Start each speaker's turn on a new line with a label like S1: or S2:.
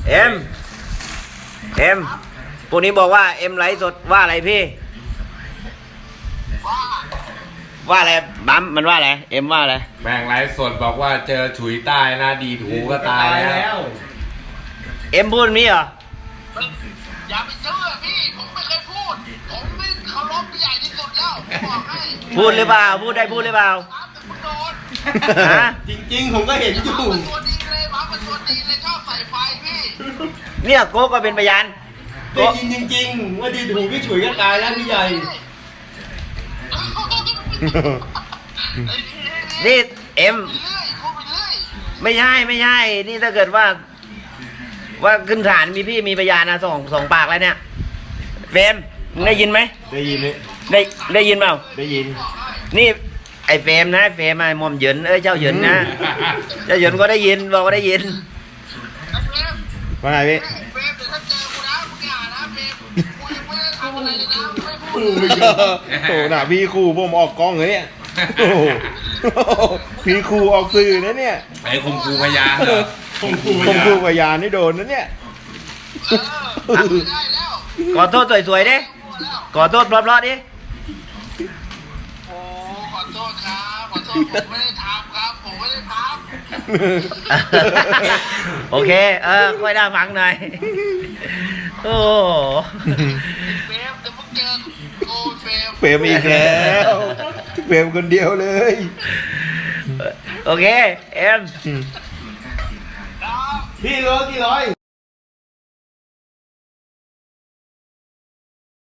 S1: เอ็มพวกนี้บอกว่าเอ็มไลฟ์สดว่าอะไรพี่ว่าอะไรบัมมันว่าอะไรเอ็มว่าอะไร
S2: แม่งไลฟ์สดบอกว่าเจอฉุยใต้หน้าดีดหูก็ตายแล้ว
S1: เอ็มพูดแบบนี้เหรอ
S3: อย่าไปเชื่อพี่ผมไม่เคยพูดผมนี่เคารพผู้ใหญ่ที่สุดแล้วผมบอกให้
S1: พูดหรือเปล่าพูดได้พูดหรือเปล่า
S3: ครับแต่คุณโดน
S1: ฮะ
S4: จริงๆผมก็เห็นอยู่
S3: เป็นตัวดีเลยมาเป็นตัวดีเลยชอบใส่ไฟพี่
S1: เนี่ยโก้ก็เป็นพยาน
S4: ได้
S1: โก้
S4: ยินจริงๆว่าดีดหูพี่ฉุยก็ตายแล้วพี่ใหญ่
S1: นี่เอ็ม
S3: เรื่อยพูดไปเรื่อย
S1: ไม่ใช่นี่ถ้าเกิดว่าขึ้นศาลมีพี่มีพยานนะสองปากแล้วเนี่ยเฟรมมึงได้ยินไหม
S4: ได้ยินไหม
S1: ได้ยินเปล่า
S4: ได้ยิน
S1: นี่ไอ้เฟรมนะเฟรมไอ้หมอมเหยินเจ้าเหยินนะเจ้าเหยินก็ได้ยินบอกว่าได้ยิน
S3: ไอ้เฟรม
S4: ว่าไงพี่
S3: เฟรมเดี๋ยวถ้าเจอกูนะมึงอย่านะเฟรมกูยังไม่ได้ทำอะไรเลยนะไม่พูด
S4: โอ้โหน่ะพี่ครูผมออกกล้องเลยเนี่ยโอ้โหพี่ครูออกสื่อนะเนี่ย
S2: ไอ้คมคูพยานเหรอ
S4: ผมครูพยานนี่โดนนะเนี่ย
S3: ไม่ได้แล้ว
S1: ขอโทษสวยๆดิ
S3: พูดแล้ว
S1: ขอโทษเพราะๆดิ
S3: โอ้ขอโทษครับขอโทษผมไม่ได้ทำครับผมไม่ได้ทำ
S1: โอเคค่อยได้ฟังหน่อยโอ้โห
S3: เฟรมเดี๋ยวมึงเจอกูเฟรม
S4: เฟรมอีกแล้วเฟรมคนเดียวเลย
S1: โอเคเอ็ม
S3: ครับ
S4: พี่โลกี่ร้อย